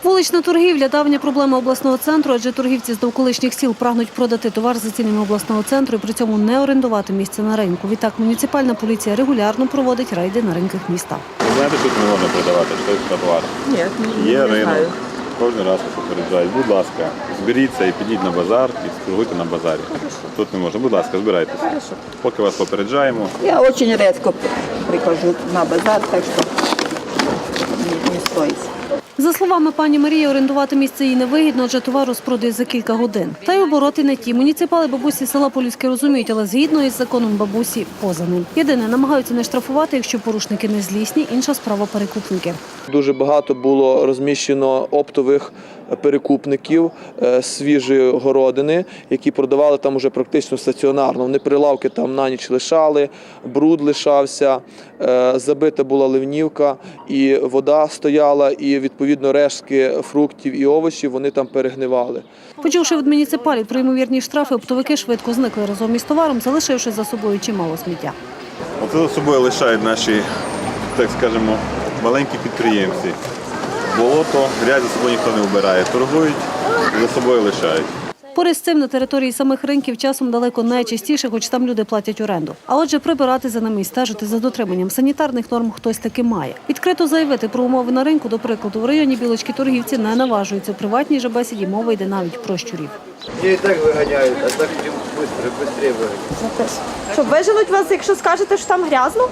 Вулична торгівля – давня проблема обласного центру, адже торгівці з довколишніх сіл прагнуть продати товар за цінами обласного центру і при цьому не орендувати місце на ринку. Відтак муніципальна поліція регулярно проводить рейди на ринках міста. Ви знаєте, тут не можна продавати, що це товар? Ні, Є не ринок. знаю. Кожен раз вас попереджають. Будь ласка, зберіться і підіть на базар і торгуйте на базарі. Тут не можна. Будь ласка, збирайтеся. Поки вас попереджаємо. Я очень редко прихожу на базар, так що не стоїть. За словами пані Марії, орендувати місце їй невигідно, адже товар розпродають за кілька годин. Та й обороти не ті. Муніципали бабусі села Полюське розуміють, але згідно із законом бабусі поза ним. Єдине, намагаються не штрафувати, якщо порушники не злісні, інша справа – перекупники. Дуже багато було розміщено оптових перекупників свіжої городини, які продавали там уже практично стаціонарно. Вони прилавки там на ніч лишали, бруд лишався, забита була ливнівка, і вода стояла, і відповідно рештки фруктів і овочів вони там перегнивали. Почувши від муніципалів про ймовірні штрафи, оптовики швидко зникли разом із товаром, залишивши за собою чимало сміття. Оце за собою лишають наші, так скажемо, маленькі підприємці. Болото, грязь за собою ніхто не вбирає. Торгують, за собою лишають. Поряд з цим на території самих ринків часом далеко найчастіше, хоч там люди платять оренду. А отже, прибирати за ними і стежити за дотриманням санітарних норм хтось таки має. Відкрито заявити про умови на ринку, до прикладу, в районі Білочки торгівці не наважуються. У приватній же бесіді мова йде навіть про щурів. Мне и так выгоняют, а так хотим быстрее выгонять. Що виженуть вас, якщо скажете, що там грязно?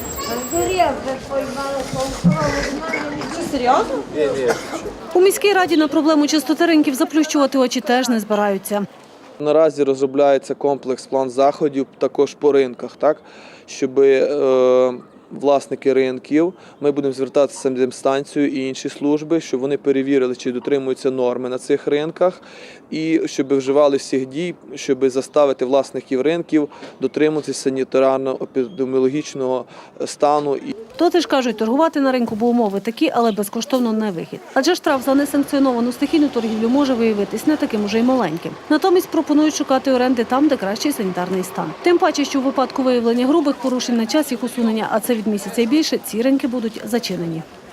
Що, серйозно? У міській раді на проблему чистоти ринків заплющувати очі теж не збираються. Наразі розробляється комплекс план заходів також по ринках, так, щоб власники ринків, ми будемо звертатися з санепідемстанцією і інші служби, щоб вони перевірили, чи дотримуються норми на цих ринках, і щоб вживали всіх дій, щоб заставити власників ринків дотримуватися санітарно-епідеміологічного стану. То теж кажуть, торгувати на ринку, бо умови такі, але безкоштовно не вихід. Адже штраф за несанкціоновану стихійну торгівлю може виявитись не таким уже й маленьким. Натомість пропонують шукати оренди там, де кращий санітарний стан. Тим паче, що у випадку виявлення грубих порушень на час їх усунення, а це від місяця і більше, ці ринки будуть зачинені.